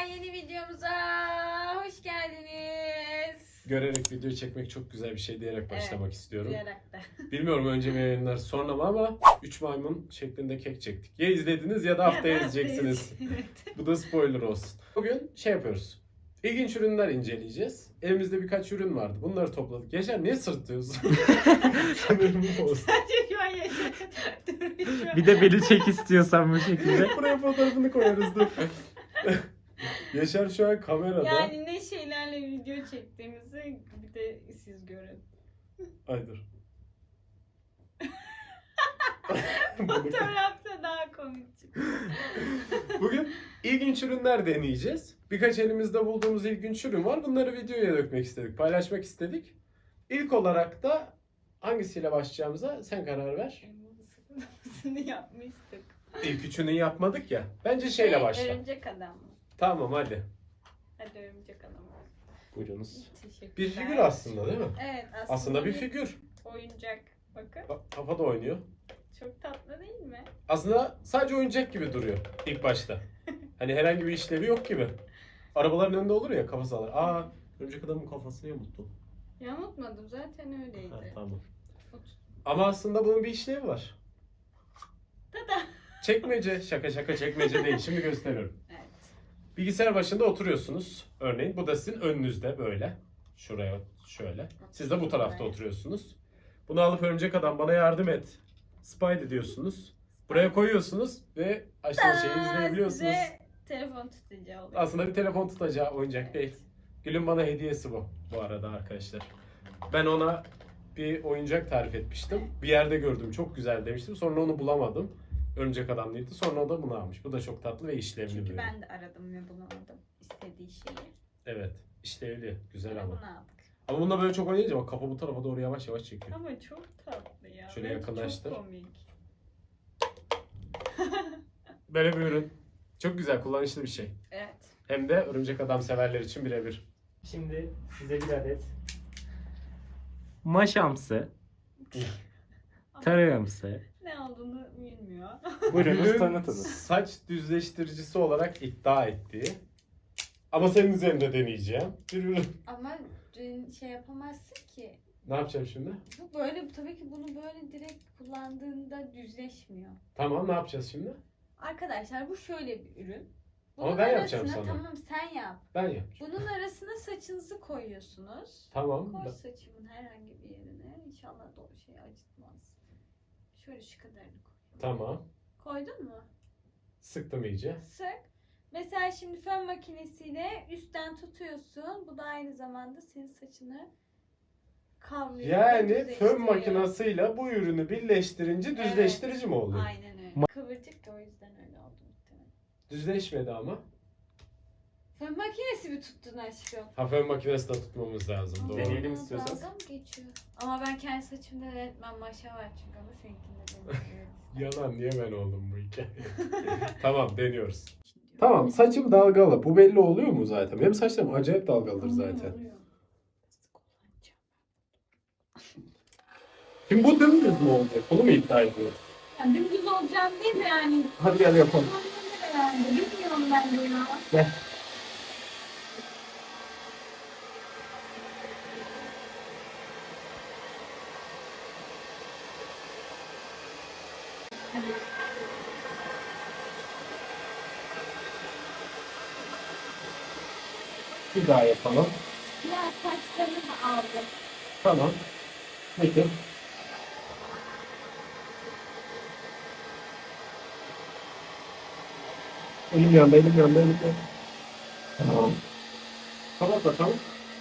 yeni videomuza hoş geldiniz. Görerek video çekmek çok güzel bir şey diyerek başlamak istiyorum. Duyarak da. Bilmiyorum önce mi yayınlar sonra mı ama 3 maymun şeklinde kek çektik. Ya izlediniz ya da haftaya izleyeceksiniz. Evet. Bu da spoiler olsun. Bugün şey yapıyoruz. İlginç ürünler inceleyeceğiz. Elimizde birkaç ürün vardı. Bunları topladık. Yaşar niye sırtlıyorsun? Sanırım bu olsun. Sadece şu an yaşadım. Bir de beni çek istiyorsan bu şekilde. Buraya fotoğrafını koyarız dur. Yaşar şu an kamerada. Yani ne şeylerle video çektiğimizi bir de siz görün. Ay dur. Fotoğrafta daha komik çıkıyor. Bugün ilginç ürünler deneyeceğiz. Birkaç elimizde bulduğumuz ilginç ürün var. Bunları videoya dökmek istedik, paylaşmak istedik. İlk olarak da hangisiyle başlayacağımıza sen karar ver. Bunu yapmıştık. İlk üçünü yapmadık ya. Bence şeyle başla. Örümcek adam mı? Tamam hadi. Hadi örümcek adam. Buyurunuz. Teşekkürler. Bir figür aslında değil mi? Evet Aslında bir figür. oyuncak. Bakın. Bak, kafada oynuyor. Çok tatlı değil mi? Aslında sadece oyuncak gibi duruyor ilk başta. Hani herhangi bir işlevi yok gibi. Arabaların önünde olur ya kafası alır. Aa, örümcek adamın kafasını yamulttu. Yamultmadım zaten öyleydi. Ha, tamam. Otur. Ama aslında bunun bir işlevi var. Tada. Çekmece, şaka çekmece değil. Şimdi gösteriyorum. Evet. Bilgisayar başında oturuyorsunuz. Örneğin bu da sizin önünüzde böyle. Şuraya şöyle. Siz de bu tarafta oturuyorsunuz. Bunu alıp örümcek adam bana yardım et. Spidey diyorsunuz. Buraya koyuyorsunuz ve aşağı şeyi izleyebiliyorsunuz. Size telefon tutacağı oluyor. Aslında bir telefon tutacağı oyuncak Evet. değil. Gül'ün bana hediyesi bu arada arkadaşlar. Ben ona bir oyuncak tarif etmiştim. Bir yerde gördüm çok güzel demiştim. Sonra onu bulamadım. Örümcek adam değildi. Sonra o da bunu almış. Bu da çok tatlı ve işlevli bir Çünkü ürün. ben de aradım ve bulamadım istediği şeyi. Evet. İşlevli. Güzel Ve ama. bunu aldık. Ama bununla böyle çok oynayınca bak kafa bu tarafa doğru yavaş yavaş çekiyor. Ama çok tatlı ya. Şöyle Ve yakınlaştır. Çok komik. Böyle bir ürün. Çok güzel, kullanışlı bir şey. Evet. Hem de örümcek adam severler için birebir. Şimdi size bir adet maşamsı, tarağımsı. Ne olduğunu bilmiyor. Buyurunuz Gül'ün tanıtınız. saç düzleştiricisi olarak iddia ettiği ama senin üzerinde deneyeceğim bir ürün. Ama şey yapamazsın ki. Ne yapacağım şimdi? Bu böyle tabii ki bunu böyle direkt kullandığında düzleşmiyor. Tamam, ne yapacağız şimdi? Arkadaşlar bu şöyle bir ürün. Ama ben yapacağım arasına, sana. Tamam sen yap. Ben yapacağım. Bunun arasına saçınızı koyuyorsunuz. Tamam. Koy saçımın herhangi bir yerine. İnşallah da şey acıtmaz. Şöyle şu kadarını koy. Tamam. Koydun mu? Sıktım iyice. Sık. Mesela şimdi fön makinesiyle üstten tutuyorsun. Bu da aynı zamanda senin saçını kavruyor. Yani düzleştiriyor. fön makinasıyla bu ürünü birleştirince düzleştirici mi oluyor? Aynen öyle. Kıvırcık da o yüzden öyle oldu muhtemelen. Düzleşmedi ama. Fön makinesi mi tuttun aşkım? Ha, fön makinesi de tutmamız lazım. Doğru. Deneyelim Aa, istiyorsanız. dalga mı geçiyor? Ama ben kendi saçımda öğretmen maşa var çünkü ama seninkinde demiyorum. Yalan, niye ben oldum bu hikaye? Tamam, deniyoruz. Tamam, saçım dalgalı. Bu belli oluyor mu zaten? Benim saçlarım acayip dalgalıdır zaten. Şimdi bu dümdüz mü olacak? Bunu mu iddia ediyorsun? Yani dümdüz olacağım değil mi yani? Hadi gel yapalım. Yani bilmiyorum ben de ya. Gel. Bir daha yapalım. Ya saçlarımı aldım. Tamam. Peki. Elim yandı, elim yandı, elim yandı. Tamam. Kapat bakalım.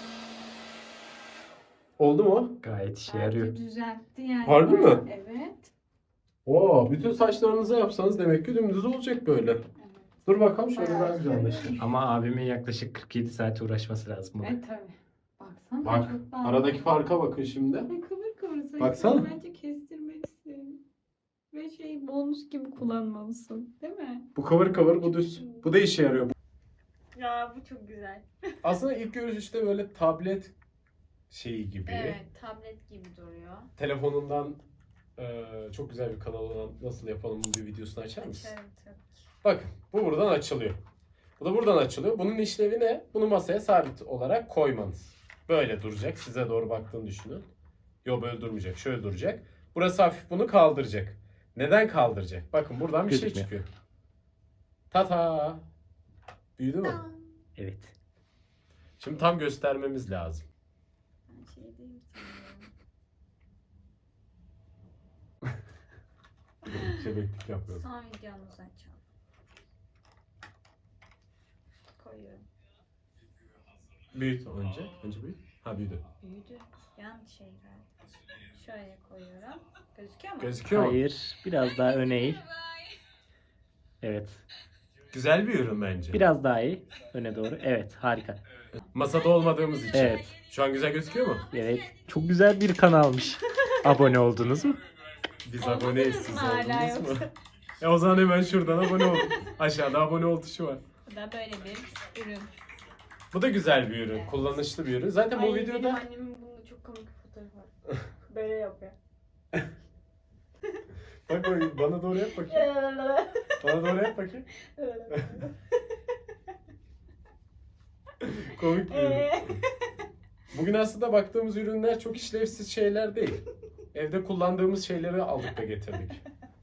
Oldu mu? Gayet işe yarıyor. Düzeltti yani. Harbi mi? Evet. Oo, bütün saçlarınızı yapsanız demek ki dümdüz olacak böyle. Dur bakalım şöyle Bayağı daha güzel anlaşılır. Ama abimin yaklaşık 47 saat uğraşması lazım buna. Tabii. Baksana Bak, çok daha. aradaki farka bakın şimdi. Ay, kıvır kıvır saçını Baksana. bence kestirmelisin. Ve bonus gibi kullanmalısın. Değil mi? Bu kıvır kıvır, bu düz. Bu da işe yarıyor. Ya bu çok güzel. Aslında ilk görüşte böyle tablet şeyi gibi. Evet, tablet gibi duruyor. Telefonundan çok güzel bir kanal olan nasıl yapalım bir videosunu açar mısın? Açarım tabii ki. Bakın, bu buradan açılıyor. Bu da buradan açılıyor. Bunun işlevi ne? Bunu masaya sabit olarak koymanız. Böyle duracak. Size doğru baktığını düşünün. Yo, böyle durmayacak. Şöyle duracak. Burası hafif bunu kaldıracak. Neden kaldıracak? Bakın buradan bir şey Gözükmüyor. çıkıyor. Tata. Büyüdü mü? Evet. Şimdi tam göstermemiz lazım. Ben şey diyeyim Şebeklik yapıyorum. Son videomuzu açalım. Koyuyorum. Büyüt önce. Önce büyüt. Ha, büyüdü. Büyüdü. Yan şey geldi. Şöyle koyuyorum. Gözüküyor mu? Gözüküyor mu? Hayır. Biraz daha öne eğ. Evet. Güzel bir ürün bence. Biraz daha iyi. Öne doğru. Evet. Harika. Masada olmadığımız için. Evet. Şu an güzel gözüküyor mu? Evet. Çok güzel bir kanalmış. Abone oldunuz mu? Biz Olmadınız aboneyiz. mı Siz hala oldunuz mu? yoksa? O zaman hemen şuradan abone ol. Aşağıda abone ol tuşu var. Bu da böyle bir ürün. Bu da güzel bir ürün. Evet. Kullanışlı bir ürün. Zaten bu Benim videoda annemin bunda çok komik bir fotoğrafı var. Böyle yapıyor. bak bana doğru yap bakayım. Bana doğru yap bakayım. Komik bir ürün. Bugün aslında baktığımız ürünler çok işlevsiz şeyler değil. Evde kullandığımız şeyleri aldık da getirdik.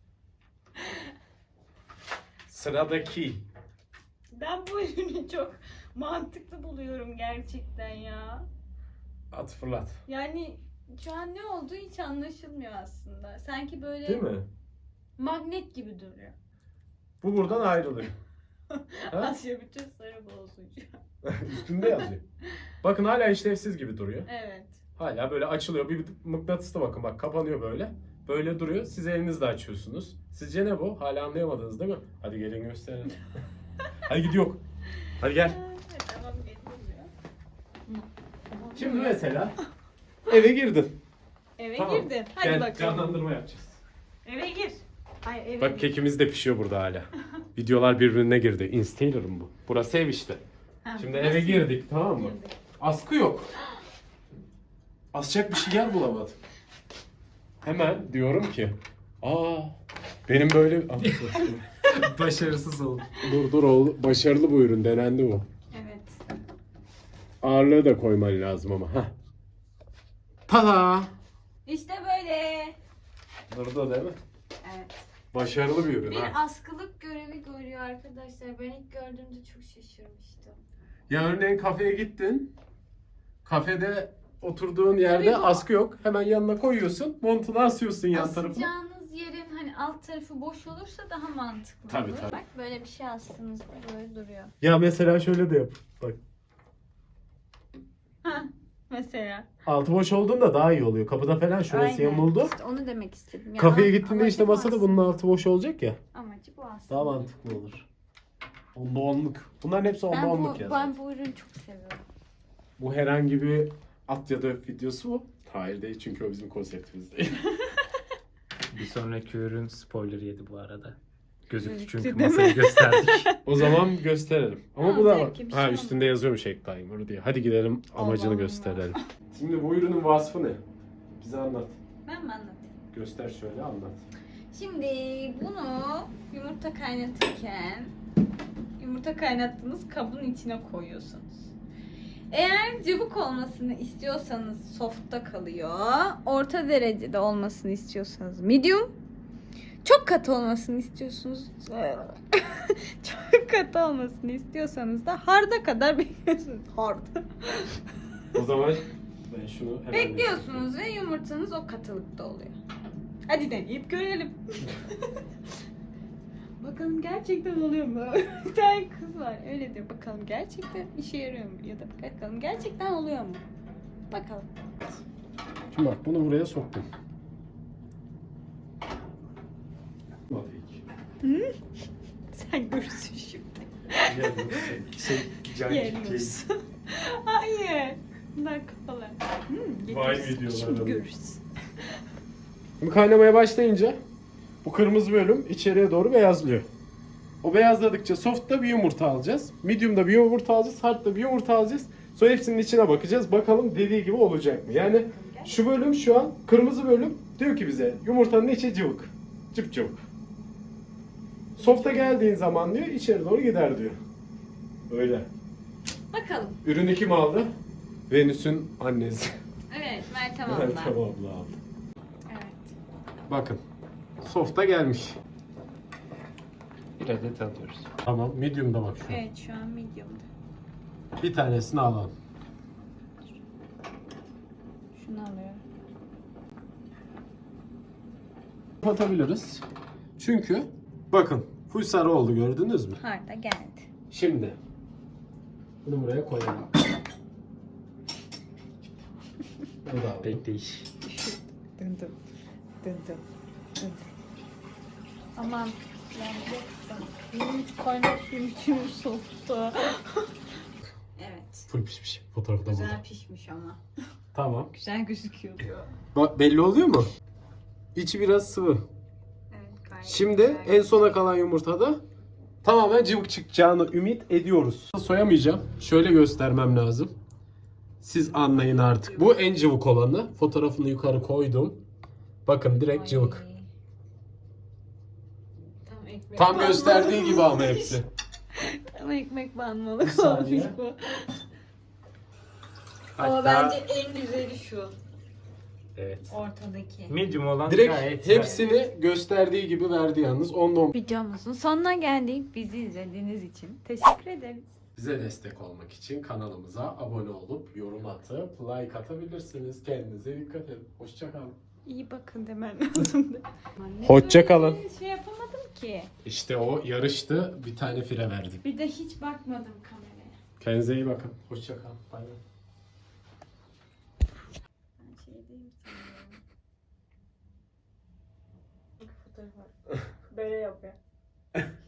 Sıradaki. Ben bu ürünü çok mantıklı buluyorum gerçekten ya. At fırlat. Yani şu an ne olduğu hiç anlaşılmıyor aslında. Sanki böyle Değil mi? magnet gibi duruyor. Bu buradan ayrılıyor. Ha? Asya bütün sarı bozucu. Üstünde yazıyor. Bakın hala işlevsiz gibi duruyor. Evet. Hala böyle açılıyor. Bir mıknatısla bakın, bak kapanıyor böyle. Böyle duruyor. Siz elinizle açıyorsunuz. Sizce ne bu? Hala anlayamadınız değil mi? Hadi gelin gösterelim. Hadi gidiyor. Hadi gel. Evet, tamam getirmiyor. Şimdi mesela eve girdin. Eve Tamam. girdin. Hadi Gel, bakalım. canlandırma yapacağız. Eve gir. Hayır eve Bak gir. kekimiz de pişiyor burada hala. Videolar birbirine girdi. Instagram'ım bu. Burası ev işte. Ha, Şimdi nasıl eve girdik, tamam mı? girdik? Askı yok. Asacak bir şey yer bulamadım. Hemen diyorum ki, benim böyle... Başarısız oldu. dur başarılı bu ürün, denendi bu. Evet. Ağırlığı da koyman lazım ama. Heh. Tada! İşte böyle. Burada değil mi? Evet. Başarılı bir ürün Bir ha. askılık görevi görüyor arkadaşlar. Ben ilk gördüğümde çok şaşırmıştım. Ya örneğin kafeye gittin. Kafede oturduğun yerde Tabii bu- askı yok. Hemen yanına koyuyorsun. Montunu asıyorsun yan tarafına. Asacağınız yerin hani alt tarafı boş olursa daha mantıklı Tabii, olur. tabii. Bak böyle bir şey astığınızda böyle duruyor. Ya mesela şöyle de yap. Bak. Hah mesela. Altı boş olduğunda daha iyi oluyor. Kapıda falan şurası Aynen. yamuldu. İşte onu demek istedim. Ya, Kafeye gittiğinde amacı işte bu masada aslında. bunun altı boş olacak ya. Amacı bu aslında. Daha mantıklı olur. Onda onluk. Bunların hepsi onda Ben onluk bu, ya. ben bu ürünü çok seviyorum. Bu herhangi bir at ya da öp videosu mu? Hayır değil, çünkü o bizim konseptimiz değil. Bir sonraki ürün spoiler yedi bu arada. Gözüktü Gözüktü, çünkü değil mi? masayı gösterdik. O zaman gösterelim. Ama Ha, bu da zevkli bir şey ha olmaz. üstünde yazıyormuş Egg Timer diye. Hadi gidelim amacını Allah gösterelim. Şimdi bu ürünün vasfı ne? Bize anlat. Ben mi anlatayım? Göster şöyle, anlat. Şimdi bunu yumurta kaynatırken yumurta kaynattığınız kabın içine koyuyorsunuz. Eğer cıvık olmasını istiyorsanız soft'ta kalıyor. Orta derecede olmasını istiyorsanız medium. Çok katı olmasını istiyorsunuz. Çok katı olmasını istiyorsanız da hard'a kadar bekliyorsunuz. Hard. O zaman ben şunu hemen... Bekliyorsunuz ve yumurtanız o katılıkta oluyor. Hadi deneyip görelim. Bakalım gerçekten oluyor mu? Bir tane kız var öyle diyor. Bakalım gerçekten işe yarıyor mu? Ya da bakalım gerçekten oluyor mu? Bakalım. Şimdi bak bunu buraya soktum. Sen görürsün şimdi. Can Yeriyorsun. Hayır. Bunlar kafalar. Vay Görürsün. videolar Şimdi ama. görürsün. Şimdi kaynamaya başlayınca bu kırmızı bölüm içeriye doğru beyazlıyor. O beyazladıkça soft'ta bir yumurta alacağız. Medium'da bir yumurta alacağız. Hard'da bir yumurta alacağız. Sonra hepsinin içine bakacağız. Bakalım dediği gibi olacak mı? Yani şu bölüm şu an kırmızı bölüm diyor ki bize yumurtanın içi cıvık. Cıp cıvık. Soft'a geldiğin zaman diyor içeri doğru gider diyor. Öyle. Bakalım. Ürünü kim aldı? Venüs'ün annesi. Evet, Meltem Meltem abla. abla aldı. Evet. Bakın. Softa gelmiş. Bir adet alıyoruz. Tamam. Medium'da bak şu. Evet, şu an medium'da. Bir tanesini alalım. Şunu alıyorum. Kapatabiliriz. Çünkü bakın full sarı oldu, gördünüz mü? Harda geldi. Şimdi bunu buraya koyalım. Bunu da aldım. Bekleyiş. Döndüm. Döndüm. Döndüm. Aman yanacaksın. Benim hiç kaynak suyum içim soğuktu. Evet. Full pişmiş. Fotoğrafı da burada. Güzel pişmiş ama. Tamam. Güzel gözüküyor. Bak belli oluyor mu? İçi biraz sıvı. Evet, gayet Şimdi güzel. en sona kalan yumurtada tamamen cıvık çıkacağını ümit ediyoruz. Soyamayacağım. Şöyle göstermem lazım. Siz anlayın artık. Bu en cıvık olanı. Fotoğrafını yukarı koydum. Bakın direkt Ay. cıvık. Tam ekmek Tam banmalık gösterdiği gibi ama olmuş. hepsi. Tam ekmek banmalık Bir saniye. olmuş bu. Ama Hatta bence en güzeli şu. Evet. Ortadaki. Medium olan direkt gayet güzel. hepsini gösterdiği gibi verdi yalnız. Ondan Videomuzun sonuna geldik. Bizi izlediğiniz için teşekkür ederiz. bize destek olmak için kanalımıza abone olup yorum atıp like atabilirsiniz. Kendinize dikkat edin. Hoşça kalın. İyi bakın demen lazım. Hoşça kalın. Şey yapamadım ki. İşte o yarıştı. Bir tane fire verdik. Bir de hiç bakmadım kameraya. Kendinize iyi bakın. Hoşça kalın. Bay bay. Ben şey diyeyim sanıyorum. Fotoğraf var. Böyle yapıyor.